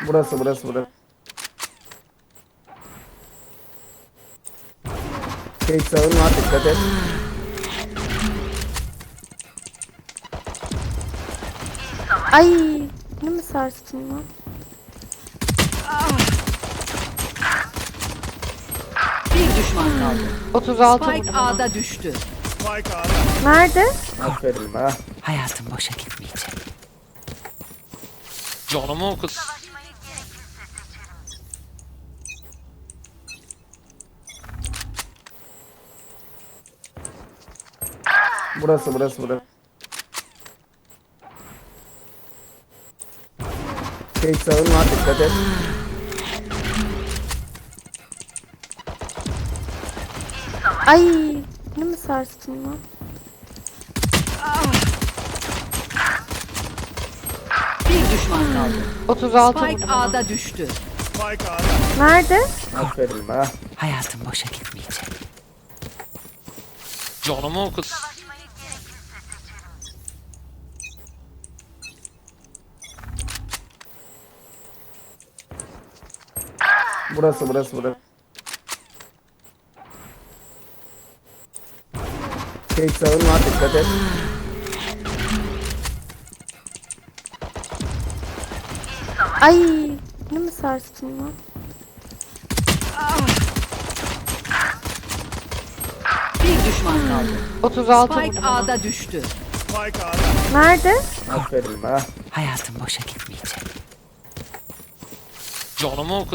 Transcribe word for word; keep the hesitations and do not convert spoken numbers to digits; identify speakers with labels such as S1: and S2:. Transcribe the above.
S1: Burası burası burası. Şey sağın var, dikkat et.
S2: Ay, ne mi sarstın lan?
S3: Bir düşman kaldı.
S2: otuz altı
S3: Spike
S2: vurdum.
S3: A'da düştü.
S2: Nerede?
S1: Aferin ha.
S3: Hayatım boşa gitmeyecek.
S4: Canımı oku.
S1: Burası burası burası. Şey sağın var, dikkat et.
S2: Ay, ne mi sarstın lan?
S3: Bir düşman kaldı.
S2: otuz altı
S3: Spike
S2: vurdum.
S3: A'da düştü.
S2: Nerede?
S1: Aferin ha.
S3: Hayatım boşa gitmeyecek.
S4: Canımı oku.
S1: Burası burası burası. Şey sağın var, dikkat et.
S2: Ay, ne mi sarstın lan?
S3: Bir düşman kaldı.
S2: otuz altı
S3: Spike
S2: vurdum.
S3: A'da düştü.
S2: Nerede?
S1: Aferin ha.
S3: Hayatım boşa gitmeyecek.
S4: Canımı oku.